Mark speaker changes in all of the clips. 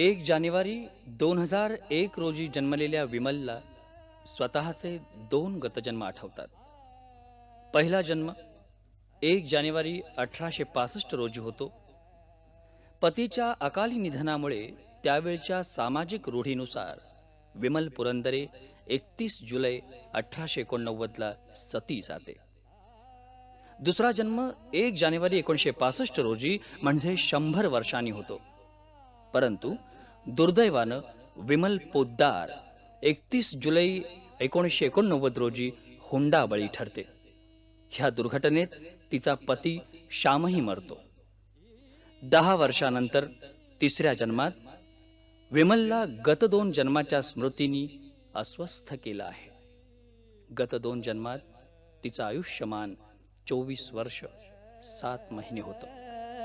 Speaker 1: 1 जानेवारी 2001 रोजी जन्मलेल्या विमलला स्वतःचे 2 गतजन्म आठवतात. पहिला जन्म 1 जानेवारी 1865 रोजी होतो. पतीच्या अकाली निधनामुळे त्यावेळच्या सामाजिक रूढीनुसार विमल पुरंदरे 31 जुलै 1889ला सती जाते. दुसरा जन्म 1 जानेवारी 1965 रोजी म्हणजे 100 वर्षांनी होतो. परंतु दुर्दैवानं विमल पोद्दार 31 जुलै 1989 रोजी हुंडा बळी ठरते. ह्या दुर्घटनेत तिचा पती श्यामही मरतो. 10 वर्षानंतर तिसऱ्या जन्मात विमलला गत 2 जन्माच्या स्मृतींनी अस्वस्थ केलं आहे. गत 2 जन्मात तिचं आयुष्यमान 24 वर्ष 7 महिने होतं.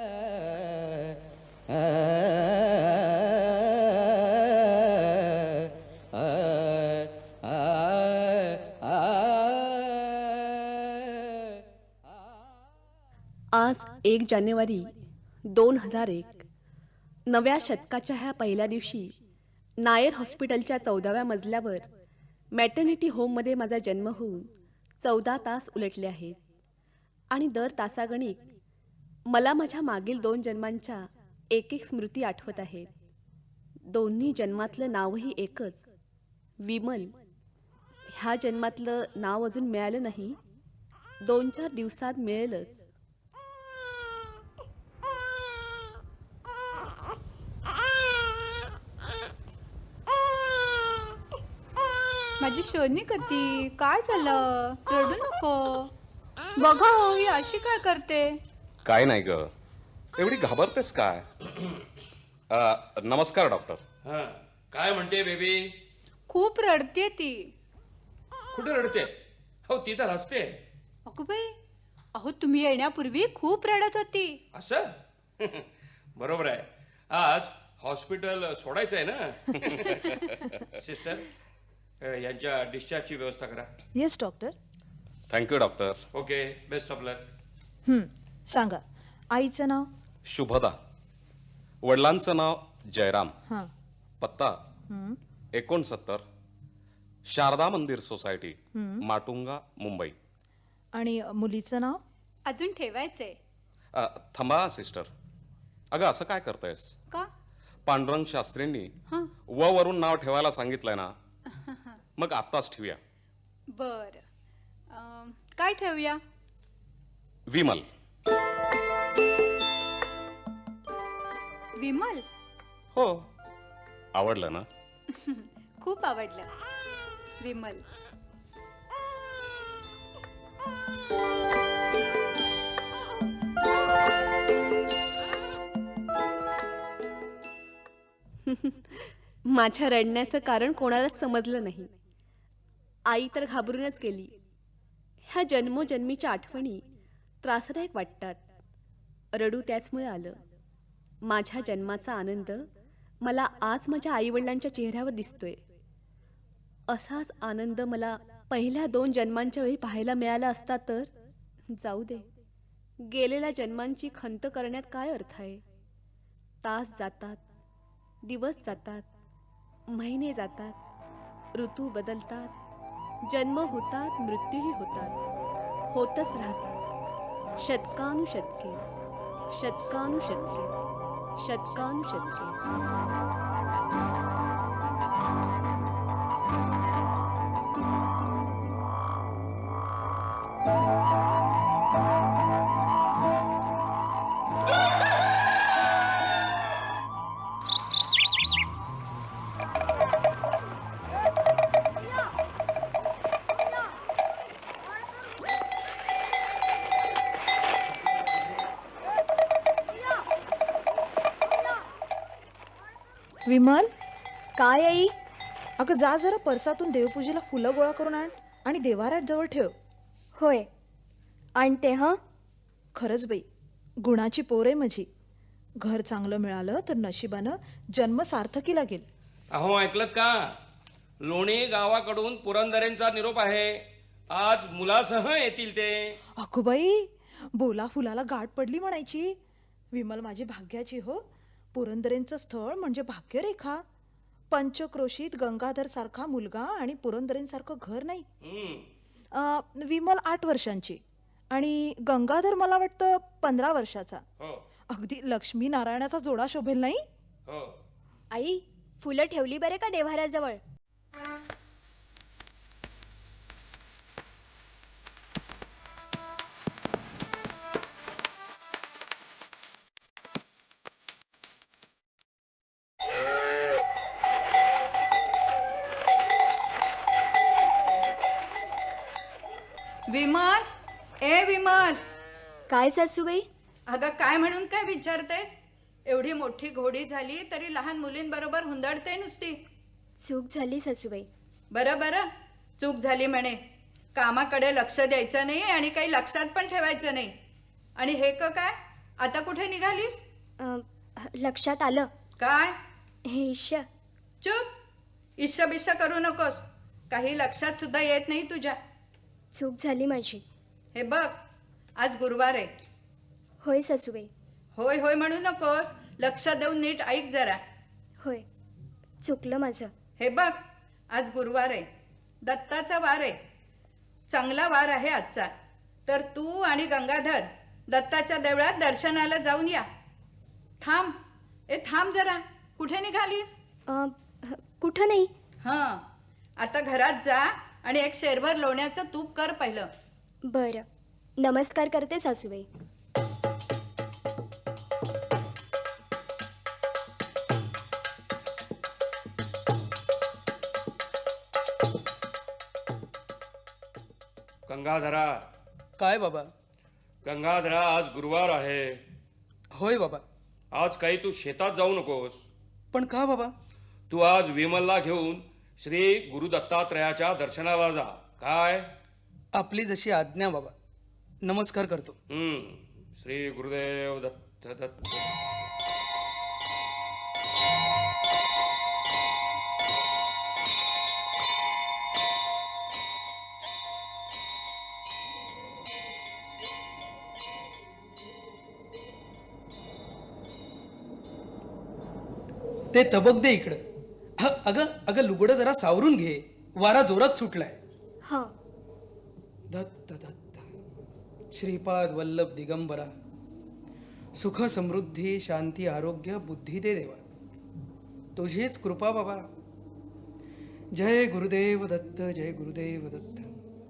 Speaker 2: आज 1 जानेवारी 2001 नव्या शतकाच्या ह्या पहिल्या दिवशी नायर हॉस्पिटलच्या 14व्या मजल्यावर मॅटर्निटी होममध्ये माझा जन्म होऊन 14 तास उलटले आहेत. आणि दर तासागणिक मला माझ्या मागील 2 जन्मांच्या एक एक स्मृती आठवत आहेत. दोन्ही जन्मातलं नावही एकच, विमल. ह्या जन्मातलं नाव अजून मिळालं नाही, 2-4 दिवसात मिळेलच.
Speaker 3: माझी शोनी कती काय झालं? रडू नको. बघा हो, ही अशी काय करते?
Speaker 4: काय नाही ग, एवढी घाबरतेस काय? नमस्कार डॉक्टर.
Speaker 5: हा, काय म्हणते बेबी?
Speaker 3: खूप रडते ती.
Speaker 5: कुठे रडते? हो, ती तर हसते.
Speaker 3: अगो बाई, अहो तुम्ही येण्यापूर्वी खूप रडत होती.
Speaker 5: असं? बरोबर आहे. आज हॉस्पिटल सोडायचं आहे ना. सिस्टर, यांच्या डिस्चार्जची व्यवस्था करा.
Speaker 6: Yes doctor.
Speaker 4: Thank you doctor.
Speaker 5: Okay, best of luck.
Speaker 6: सांगा, आईचं नाव?
Speaker 4: शुभदा. वडिलांचं नाव जयराम.
Speaker 6: हां.
Speaker 4: पत्ता 69 शारदा मंदिर सोसायटी, माटुंगा, मुंबई.
Speaker 6: आणि मुलीचं नाव?
Speaker 3: अजून ठेवायचंय
Speaker 4: थांबा सिस्टर. अगं असं काय करतायस?
Speaker 3: का?
Speaker 4: पांडुरंग शास्त्रींनी
Speaker 3: हां.
Speaker 4: वरून नाव ठेवायला सांगितलंय ना, मग आत्ताच ठेवूया.
Speaker 3: बर, काय ठेवूया?
Speaker 4: विमल.
Speaker 3: विमल.
Speaker 4: हो, आवडलं ना?
Speaker 3: खूप आवडलं विमल.
Speaker 2: माझ्या रडण्याचं कारण कोणालाच समजलं नाही. आई तर घाबरूनच गेली. ह्या जन्मोजन्मीच्या आठवणी त्रासदायक वाटतात. रडू त्याचमुळे आलं. माझ्या जन्माचा आनंद मला आज माझ्या आईवडिलांच्या चेहऱ्यावर दिसतोय. असाच आनंद मला पहिल्या 2 जन्मांच्या वेळी पाहायला मिळाला असता तर. जाऊ दे, गेलेल्या जन्मांची खंत करण्यात काय अर्थ आहे? तास जातात, दिवस जातात, महिने जातात, ऋतू बदलतात, जन्म होतात, मृत्यूही होतात, होतच राहतात. शतकानुशतके, शतकानुशतके, शतकानुशतके.
Speaker 6: विमल.
Speaker 7: काय आई?
Speaker 6: अगं जा जरा परसातून देवपूजेला फुलं गोळा करून आण आणि देवाऱ्यात जवळ ठेव.
Speaker 7: होय, आणते. हं.
Speaker 6: खरंच बाई, गुणाची पोर आहे माझी. घर चांगलं मिळालं तर नशिबानं जन्म सार्थकी लागेल.
Speaker 5: अहो, ऐकलत का? लोणी गावाकडून पुरंदरेंचा निरोप आहे. आज मुलासह येतील ते.
Speaker 6: अगो बाई, बोला फुलाला गाठ पडली म्हणायची. विमल माझी भाग्याची हो. पुरंदरेंचं स्थळ म्हणजे भाग्यरेखा. पंचक्रोशीत गंगाधर सारखा मुलगा आणि पुरंदरेंसारखं घर नाही. विमल 8 वर्षांची आणि गंगाधर मला वाटतं 15 वर्षाचा.
Speaker 5: हो
Speaker 6: अगदी लक्ष्मी नारायणाचा जोडा शोभेल नाही.
Speaker 5: हो.
Speaker 7: आई फुलं ठेवली बरे का देव्हाऱ्याजवळ?
Speaker 8: विमल, ए विमल,
Speaker 7: काय सासूबाई?
Speaker 8: अगं काय म्हणून काय विचारतेस? एवढी मोठी घोडी झाली तरी लहान मुलींबरोबर हुंदडते नुसती.
Speaker 7: चूक झाली सासूबाई.
Speaker 8: बरं बरं, चूक झाली म्हणे. कामाकडे लक्ष द्यायचं नाही आणि काही लक्षात पण ठेवायचं नाही. आणि हे काय आता कुठे निघालीस?
Speaker 7: लक्षात आलं.
Speaker 8: काय?
Speaker 7: हे ईश्य.
Speaker 8: चुप, इश्य बिश्य करू नकोस. काही लक्षात सुद्धा येत नाही तुझ्या.
Speaker 7: चूक झाली माझी.
Speaker 8: हे बघ, आज गुरुवार आहे.
Speaker 7: होय सासूबाई.
Speaker 8: होय होय म्हणू नकोस, लक्ष देऊन नीट ऐक जरा.
Speaker 7: होय, चुकलं माझं.
Speaker 8: हे बघ, आज गुरुवार आहे, दत्ताचा वार आहे. चांगला वार आहे आजचा. तर तू आणि गंगाधर दत्ताच्या देवळात दर्शनाला जाऊन या. थांब, थांब जरा. कुठे निघालीस?
Speaker 7: कुठं नाही.
Speaker 8: हां, आता घरात जा आणि एक शेरभर लोण्याचं तूप कर पहिलं.
Speaker 7: बरं, नमस्कार करते सासूबाई.
Speaker 5: गंगाधरा,
Speaker 9: काय बाबा?
Speaker 5: गंगाधरा, आज गुरुवार आहे.
Speaker 9: होय बाबा.
Speaker 5: आज काही तू शेतात जाऊ नकोस.
Speaker 9: पण का बाबा?
Speaker 5: तू आज विमलला घेऊन श्री गुरु दत्तात्रयाच्या दर्शनाला जा. काय?
Speaker 9: आपली जशी आज्ञा बाबा. नमस्कार करतो.
Speaker 5: श्री गुरुदेव दत्त दत्त.
Speaker 9: ते तबक दे इकडं. अगं अगं, लुगडं जरा सावरून घे, वारा जोरात सुटलाय.
Speaker 7: हां.
Speaker 9: दत्त दत्त श्रीपाद वल्लभ दिगंबरा, सुख समृद्धी शांती आरोग्य बुद्धी दे देवा, तुझीच कृपा बाबा. जय गुरुदेव दत्त, जय गुरुदेव दत्त.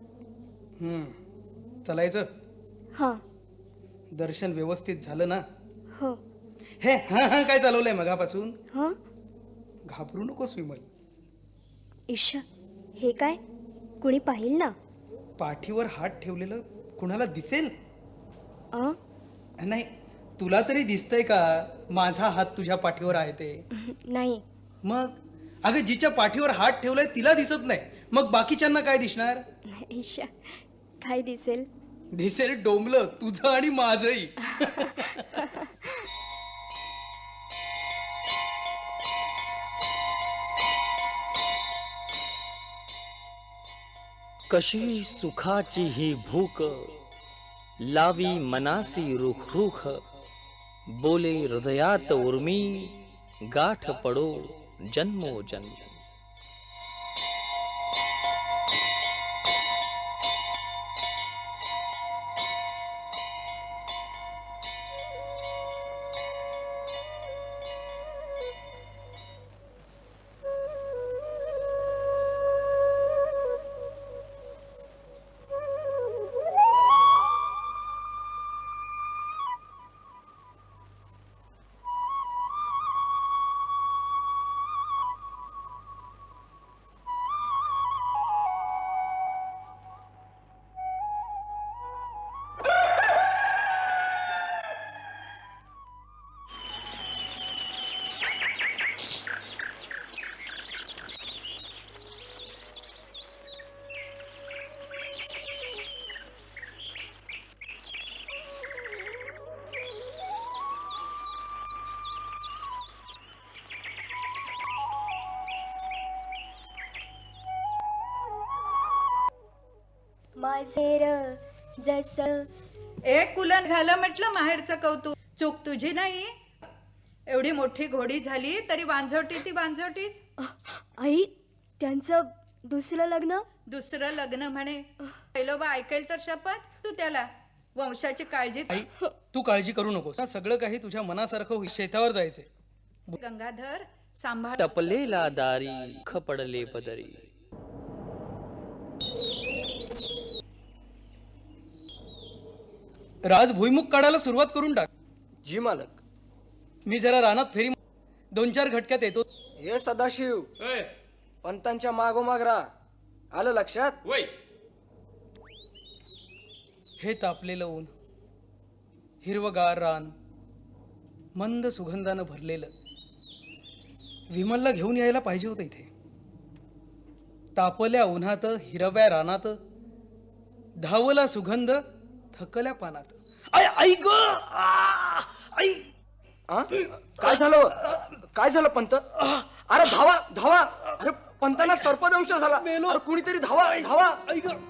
Speaker 9: चलायचं.
Speaker 7: हां.
Speaker 9: दर्शन व्यवस्थित झालं ना?
Speaker 7: हो.
Speaker 9: हे हा काय चालवलंय मगापासून?
Speaker 7: हां.
Speaker 9: घाबरू नकोस विमल.
Speaker 7: ईश्य, हे काय? कुणी पाहिल ना?
Speaker 9: पाठीवर हात ठेवलेलं कुणाला दिसेल?
Speaker 7: अ
Speaker 9: नाही, तुला तरी दिसतंय का माझा हात तुझ्या पाठीवर आहे ते?
Speaker 7: नाही.
Speaker 9: मग अगं, जिच्या पाठीवर हात ठेवलाय तिला दिसत नाही, मग बाकीच्यांना काय दिसणार?
Speaker 7: ईश्य, काय दिसेल?
Speaker 9: दिसेल डोंबलं तुझं आणि माझंही.
Speaker 1: कशी सुखाची ही भूक, लावी मनासी रुख रुख, बोले हृदयात उर्मी, गाठ पडो जन्मोजन्म.
Speaker 7: माझेर जस.
Speaker 8: कुलन झालं म्हटलं माहेरचं कौतुक. चूक तुझी नाही. एवढी मोठी घोडी झाली तरी वांझवटी ती वांझवटीच.
Speaker 7: आई त्यांचं दुसरं लग्न.
Speaker 8: दुसरं लग्न म्हणे. पहिलोबा ऐकेल तर शपथ तू त्याला. वंशाची काळजी.
Speaker 9: आई तू काळजी करू नकोस. सगळं काही तुझ्या मनासारखं होईल. शेतावर जायचंय.
Speaker 8: गंगाधर सांभाळ.
Speaker 1: टपलेला दारी खपडले पदरी.
Speaker 9: राज भुईमुख काढायला सुरुवात करून टाक.
Speaker 10: जी मालक.
Speaker 9: मी जरा रानात फेरी 2-4 घटक्यात येतो.
Speaker 10: हे सदाशिव
Speaker 5: होय
Speaker 10: पंतांच्या मागोमाग राहा. आलं लक्षात?
Speaker 5: होय.
Speaker 9: हे तापलेलं ऊन, हिरवगार रान, मंद सुगंधानं भरलेलं. विमलला घेऊन यायला पाहिजे होतं इथे. तापल्या उन्हात, हिरव्या रानात, धावला सुगंध थकल्या पानात. आई ग आई.
Speaker 10: आ? काय झालं? काय झालं पंत? अरे धावा धावा. अरे पंतांना सर्पदंश झाला. अरे कुणीतरी धावा धावा.
Speaker 9: आई ग.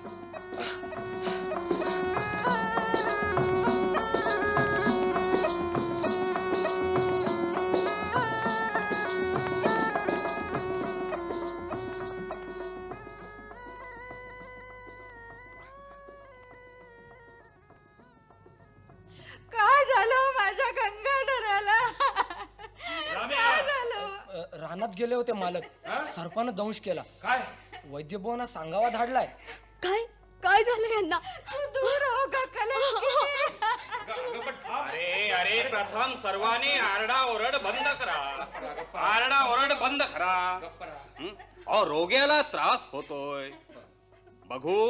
Speaker 8: काय झालं माझ्या गंगाधराला? काय झालं?
Speaker 10: रानात गेले होते मालक. सर्पानं दंश केला.
Speaker 5: काय
Speaker 10: वैद्यभुवांना सांगावा धाडलाय.
Speaker 7: काय काय झालं यांना?
Speaker 8: तू दूर हो ग
Speaker 4: अरे अरे प्रथम सर्वांनी आरडाओरड बंद करा. आरडाओरड बंद करा. अहो रोग्याला त्रास होतोय. बघू.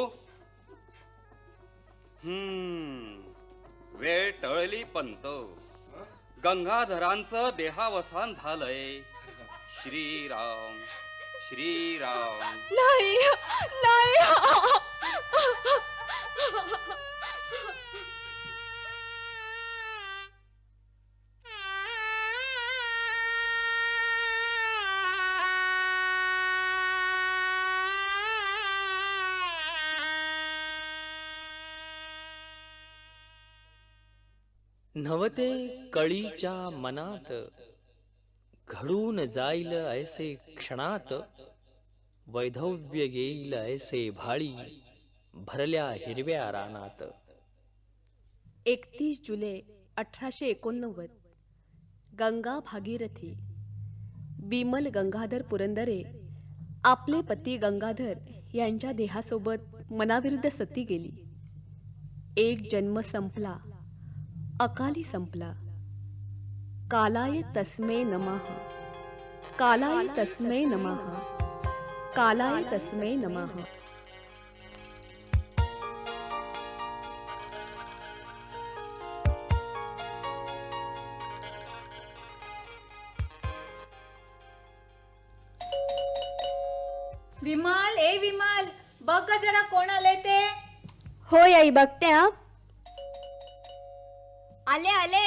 Speaker 4: वेळ टळली पंत. गंगाधरांचं देहावसान झालंय. श्रीराम श्रीराम.
Speaker 7: नाही नाही.
Speaker 1: नवते कळीच्या मनात घडून जाईल ऐसे क्षणात. वैधव्य येईल ऐसे भाळी भरल्या हिरव्या रानात.
Speaker 2: 31 जुलै 1889. गंगा भागीरथी. विमल गंगाधर पुरंदरे आपले पती गंगाधर यांच्या देहासोबत मनाविरुद्ध सती गेली. एक जन्म संपला, अकाली संपला. कालाय तस्मै नमः. कालाय तस्मै नमः. कालाय तस्मै नमः.
Speaker 3: विमल ए विमल बघ ग जरा कोण आले ते.
Speaker 7: होय आई बघते. हा आले आले.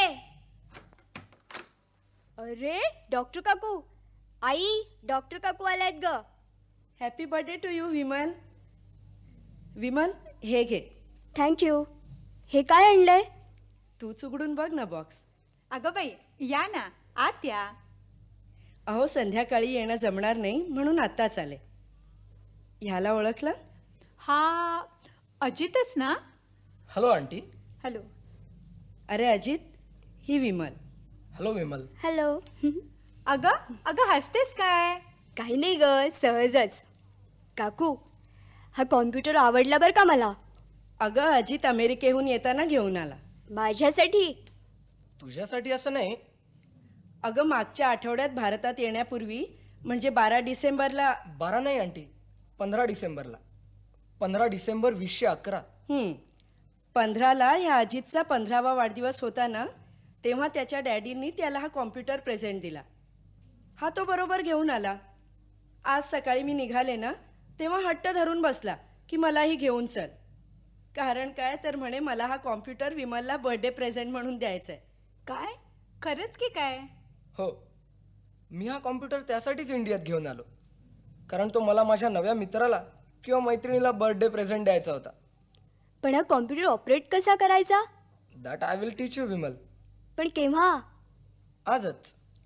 Speaker 7: अरे डॉक्टर काकू. आई डॉक्टर काकू आल्यात ग.
Speaker 11: Happy birthday to you Vimal. Vimal हे घे.
Speaker 7: थँक्यू. हे काय आणलंय?
Speaker 11: तूच उघडून बघ ना बॉक्स.
Speaker 3: अगं बाई या ना आत या.
Speaker 11: अहो संध्याकाळी येणं जमणार नाही म्हणून आत्ताच आले. ह्याला ओळखलं?
Speaker 3: हा अजितच ना.
Speaker 9: Hello aunty.
Speaker 3: हॅलो.
Speaker 11: अरे अजित ही विमल.
Speaker 9: हॅलो विमल.
Speaker 7: हॅलो.
Speaker 3: अगं अगं हसतेस काय?
Speaker 7: काही नाही ग सहजच. काकू हा कॉम्प्युटर आवडला बरं का मला.
Speaker 11: अगं अजित अमेरिकेहून येताना घेऊन आला.
Speaker 7: माझ्यासाठी?
Speaker 10: तुझ्यासाठी असं नाही.
Speaker 11: अगं मागच्या आठवड्यात भारतात येण्यापूर्वी म्हणजे 12 डिसेंबरला.
Speaker 10: 12 नाही आंटी, 15 डिसेंबरला. 15 डिसेंबर 2011.
Speaker 11: 15ला ह्या अजितचा 15वा वाढदिवस होता ना, तेव्हा त्याच्या डॅडींनी त्याला हा कॉम्प्युटर प्रेझेंट दिला. हा तो बरोबर घेऊन आला. आज सकाळी मी निघाले ना तेव्हा हट्ट धरून बसला की मलाही घेऊन चल. कारण काय तर म्हणे मला हा कॉम्प्युटर विमलला बर्थडे प्रेझेंट म्हणून द्यायचा आहे.
Speaker 3: काय खरंच की काय?
Speaker 10: हो, मी हा कॉम्प्युटर त्यासाठीच इंडियात घेऊन आलो, कारण तो मला माझ्या नव्या मित्राला किंवा मैत्रिणीला बर्थडे प्रेझेंट द्यायचा होता.
Speaker 7: पण हा कॉम्प्युटर ऑपरेट कसा करायचा?
Speaker 10: That I will teach you Vimal.
Speaker 7: पण केव्हा?
Speaker 10: आजच.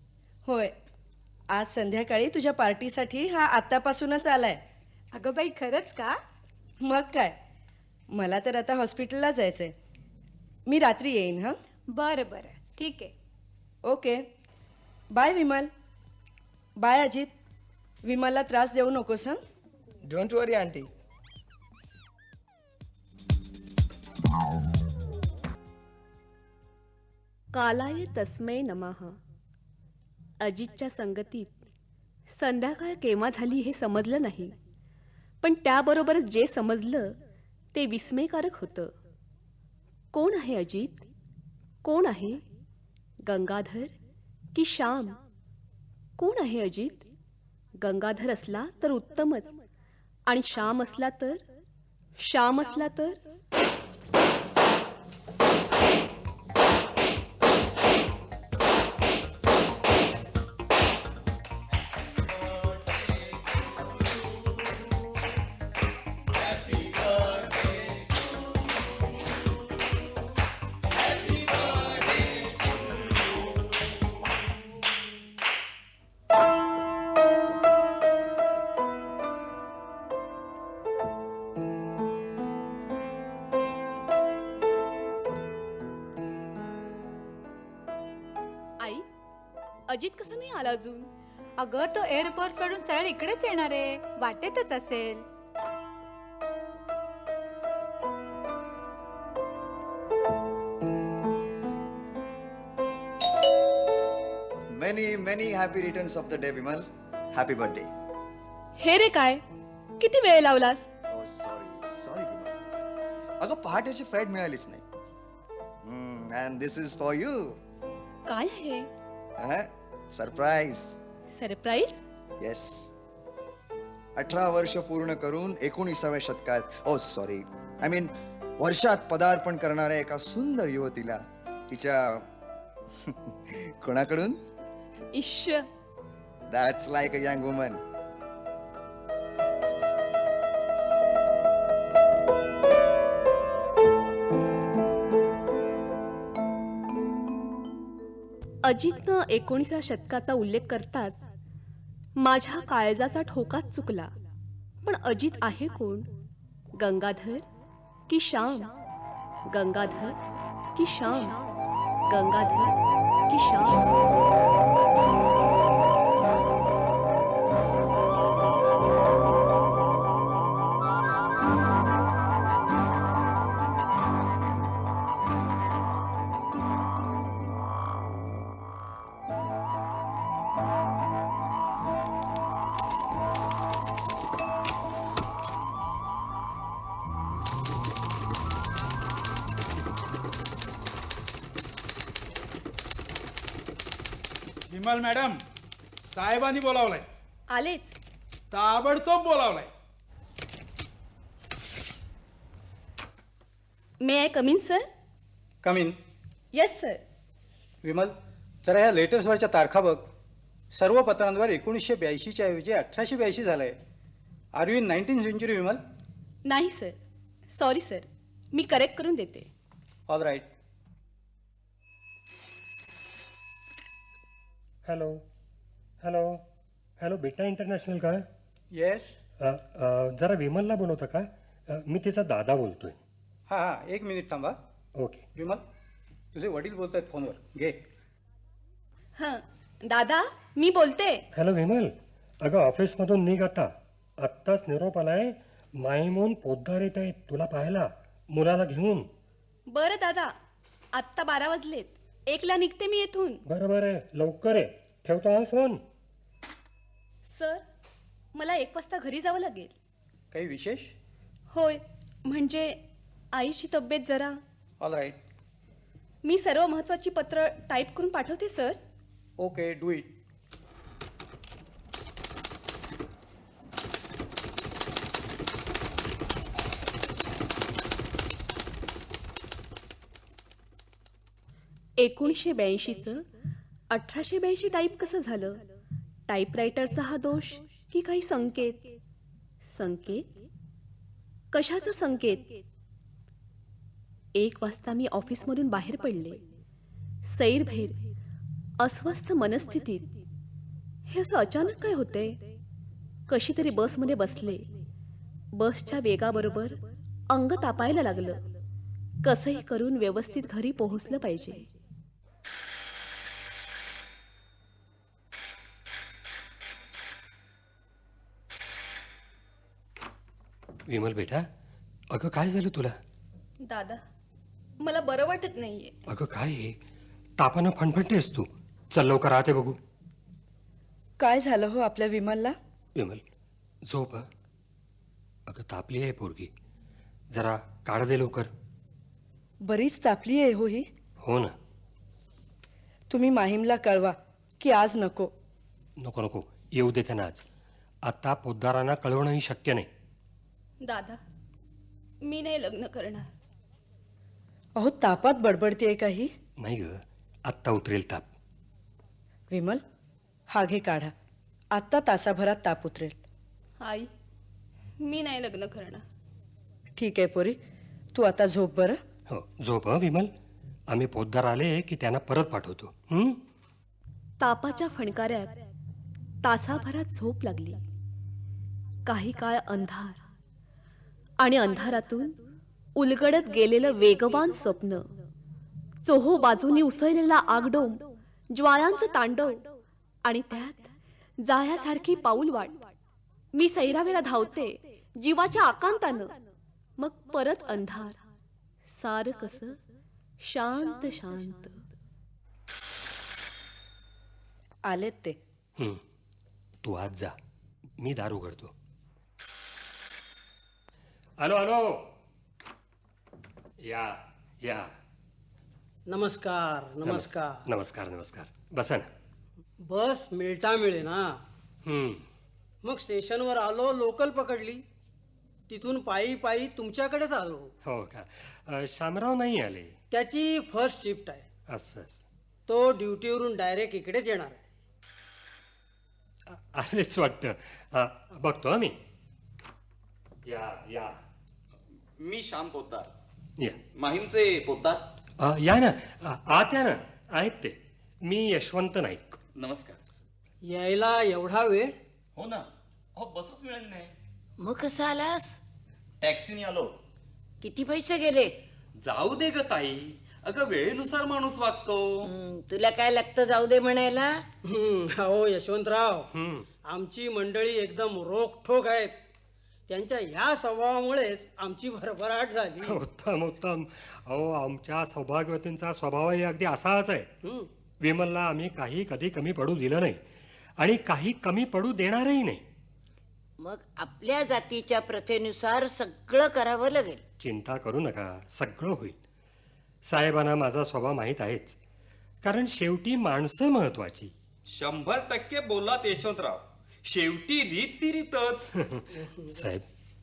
Speaker 11: होय, आज संध्याकाळी तुझ्या पार्टीसाठी हा आत्तापासूनच आलाय.
Speaker 3: अगं बाई खरंच का?
Speaker 11: मग काय, मला तर आता हॉस्पिटलला जायचंय. मी रात्री येईन. हां,
Speaker 3: बरं बरं ठीक आहे.
Speaker 11: Okay. Bye Vimal. Bye Ajit. विमलला त्रास देऊ नकोस. हां.
Speaker 10: Don't worry aunty.
Speaker 2: कालाय तस्मै नमः. अजितच्या संगतीत संध्याकाळ केव्हा झाली हे समजलं नाही, पण त्याबरोबरच जे समजलं ते विस्मयकारक होतं. कोण आहे अजित? कोण आहे? गंगाधर की श्याम? कोण आहे अजित? गंगाधर असला तर उत्तमच, आणि श्याम असला तर? श्याम असला तर? आई, अजित कसं नाही आला अजून?
Speaker 3: अगं तो एअरपोर्ट कडून सरळ इकडेच येणार आहे, वाटेतच असेल.
Speaker 12: Many happy returns of the day, Vimal. Happy birthday.
Speaker 2: हे रे काय, किती वेळ लावलास?
Speaker 12: Oh, sorry, Vimal. अगं पहाटेची फ्लाईट मिळालीच नाही. And this is for you.
Speaker 2: काय आहे?
Speaker 12: सरप्राईज.
Speaker 2: सरप्राईज?
Speaker 12: येस. 18 वर्ष पूर्ण करून 19व्या शतकात, सॉरी, आय मीन वर्षात पदार्पण करणाऱ्या एका सुंदर युवतीला तिच्या कोणाकडून?
Speaker 2: इश्श.
Speaker 12: That's like a young woman.
Speaker 2: अजितनं 19व्या शतकाचा उल्लेख करताच माझ्या काळजाचा ठोकाच चुकला. पण अजित आहे कोण? गंगाधर की श्याम? गंगाधर की श्याम? गंगाधर की श्याम?
Speaker 13: विमल मॅडम, साहेबांनी बोलावलाय.
Speaker 2: आलेच.
Speaker 13: ताबडतोब बोलावलाय.
Speaker 2: May I come in sir?
Speaker 9: Come in.
Speaker 2: Yes sir.
Speaker 9: Vimal, जरा ह्या लेटेस्टवरच्या तारखा बघ. सर्व पत्रांवर 1982च्या ऐवजी 1882 झालंय. Are you in 19th century Vimal?
Speaker 2: नाही सर, सॉरी सर, मी करेक्ट करून देते.
Speaker 9: All right.
Speaker 14: Hello hello hello बेटा इंटरनॅशनल का?
Speaker 9: येस.
Speaker 14: जरा विमलला बोलवता का? मी तिचा दादा बोलतोय.
Speaker 9: हां, एक मिनिट थांबा.
Speaker 14: ओके.
Speaker 9: विमल, तुझे वडील बोलत आहेत फोनवर, घे.
Speaker 2: हां दादा, मी बोलते.
Speaker 14: हॅलो विमल, अगं ऑफिसमधून निघ आता. आत्ताच निरोप आलाय, माहीमून पोद्दार येत आहेत तुला पाहायला, मुलाला घेऊन.
Speaker 2: बरं दादा, आत्ता 12 वाजलेत. 1ला निघते मी येथून.
Speaker 14: बरं बरं, लवकर आहे. ठेवतो हा फोन.
Speaker 2: सर, मला 1 वाजता घरी जावं लागेल.
Speaker 9: काही विशेष?
Speaker 2: होय, म्हणजे आईची तब्येत जरा.
Speaker 9: All right.
Speaker 2: मी सर्व महत्त्वाची पत्र टाईप करून पाठवते सर.
Speaker 9: Okay, do it.
Speaker 2: चं 1882 टाईप कसं झालं? टाईपरायटरचा हा दोष की काही संकेत? संकेत? कशाचा संकेत? 1 वाजता मी ऑफिसमधून बाहेर पडले. सैरभैर अस्वस्थ मनस्थितीत हे असं अचानक काय होते? कशी तरी बसमध्ये बसले. बसच्या वेगाबरोबर अंग तापायला लागलं. कसंही करून व्यवस्थित घरी पोहोचलं पाहिजे.
Speaker 14: विमल बेटा, अगं काय झालं तुला?
Speaker 2: दादा, मला बरं वाटत नाहीये.
Speaker 14: अगं काय आहे? तापानं फणफणतेस तू. चल लवकर आते बघू.
Speaker 11: काय झालं हो आपल्या विमलला?
Speaker 14: विमल झोप हं. अगं तापली आहे पोरगी. जरा काढ दे लवकर.
Speaker 11: बरीच तापली आहे हो ही.
Speaker 14: हो ना.
Speaker 11: तुम्ही माहीमला कळवा की आज नको.
Speaker 14: नको नको, येऊ दे त्यांना आज. आता पोद्दारांना कळवणंही शक्य नाही.
Speaker 2: दादा, मी नाही लग्न करणार.
Speaker 11: अहो तापात बडबडतेय काही.
Speaker 14: नाही ग, आत्ता उतरेल ताप.
Speaker 11: विमल, हा घे काढा. आत्ता तासाभरात ताप उतरेल.
Speaker 2: आई, मी नाही लग्न करणार.
Speaker 11: ठीक आहे पोरी, तू आता झोप बरं.
Speaker 14: हो झोप हं विमल. आम्ही पोद्दार आले की त्यांना परत पाठवतो.
Speaker 2: तापाच्या फणकाऱ्यात तासाभरात झोप लागली. काही काळ अंधार आणि अंधारातून उलगडत गेलेलं वेगवान स्वप्न. चोहो बाजूनी उसळलेला आगडोम, ज्वाळांचं तांडव आणि त्यात जायासारखी पाऊलवाट. मी सैरावेला धावते जीवाच्या आकांतानं. मग परत अंधार. सारं कसं शांत शांत.
Speaker 11: आलेत ते.
Speaker 14: तू आज जा, मी दार उघडतो. हॅलो हॅलो, या या.
Speaker 15: नमस्कार नमस्कार.
Speaker 14: नमस्कार नमस्कार. बसा ना.
Speaker 15: बस मिळता मिळे ना. मग स्टेशनवर आलो, लोकल पकडली, तिथून पायी पायी तुमच्याकडेच आलो.
Speaker 14: हो का? शामराव नाही आले?
Speaker 15: त्याची फर्स्ट शिफ्ट आहे.
Speaker 14: असं
Speaker 15: तो ड्युटीवरून डायरेक्ट इकडेच येणार आहे.
Speaker 14: आलेच वाटतं. बघतो आम्ही. या या.
Speaker 16: मी श्याम पोद्दार.
Speaker 14: या.
Speaker 16: माहीमचे पोद्दार.
Speaker 14: या ना, आत या ना. आहेत ते. मी यशवंत नाईक.
Speaker 16: नमस्कार.
Speaker 15: यायला एवढा वेळ?
Speaker 16: हो ना, अहो बसच मिळाली नाही.
Speaker 17: मग कसं आलास?
Speaker 16: टॅक्सीने आलो.
Speaker 17: किती पैसे गेले?
Speaker 16: जाऊ दे ग ताई, अगं वेळेनुसार माणूस वागतो.
Speaker 17: तुला काय लागतं जाऊ दे म्हणायला?
Speaker 15: हो यशवंतराव, आमची मंडळी एकदम रोखठोक आहेत. त्यांच्या ह्या स्वभावामुळेच आमची भरभराट झाली.
Speaker 14: उत्तम उत्तम. अहो आमच्या सौभाग्यवतींचा स्वभावही अगदी असाच आहे. विमलला आम्ही काही कधी कमी पडू दिलं नाही आणि काही कमी पडू देणारही नाही.
Speaker 17: मग आपल्या जातीच्या प्रथेनुसार सगळं करावं लागेल.
Speaker 14: चिंता करू नका, सगळं होईल. साहेबांना माझा स्वभाव माहीत आहेच, कारण शेवटी माणसं महत्वाची.
Speaker 4: 100% बोललात यशवंतराव. शेवटी रीत ती रीतच.
Speaker 14: साहेब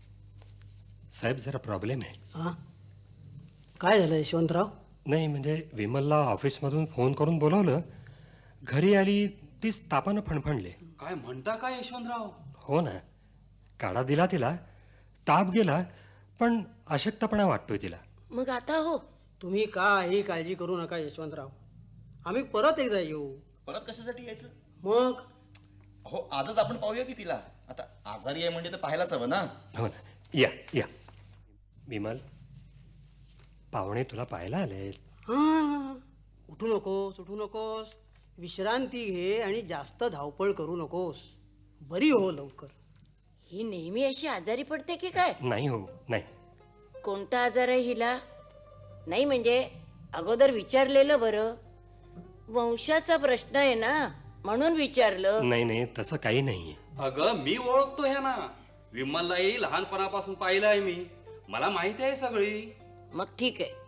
Speaker 14: साहेब जरा प्रॉब्लेम आहे.
Speaker 15: काय झालं यशवंतराव?
Speaker 14: नाही म्हणजे विमलला ऑफिसमधून फोन करून बोलवलं. घरी आली तीच तापानं फणफणले.
Speaker 4: काय म्हणता काय यशवंतराव?
Speaker 14: हो ना, काढा दिला तिला, ताप गेला, पण अशक्तपणा वाटतोय तिला.
Speaker 17: मग आता हो?
Speaker 15: तुम्ही काही काळजी करू नका यशवंतराव. आम्ही परत एकदा येऊ.
Speaker 16: परत कशासाठी यायचं?
Speaker 15: मग
Speaker 16: हो आजच आपण पाहूया की तिला. आता आजारी आहे म्हणजे तर पाहायलाच हवं ना.
Speaker 14: हो ना. या या. विमल, पाहुणे तुला पाहायला आलेत.
Speaker 15: हा, उठू नकोस उठू नकोस. विश्रांती घे आणि जास्त धावपळ करू नकोस. बरी हो लवकर.
Speaker 17: ही नेहमी अशी आजारी पडते की काय?
Speaker 14: नाही हो नाही.
Speaker 17: कोणता आजार आहे हिला? नाही म्हणजे अगोदर विचारलेलं बरं. वंशाचा प्रश्न आहे ना, म्हणून विचारलं.
Speaker 14: नाही नाही तसं काही नाही.
Speaker 4: अगं मी ओळखतो ह्या ना. विमललाही लहानपणापासून पाहिलं आहे मी. मला माहिती आहे सगळी.
Speaker 17: मग ठीक आहे,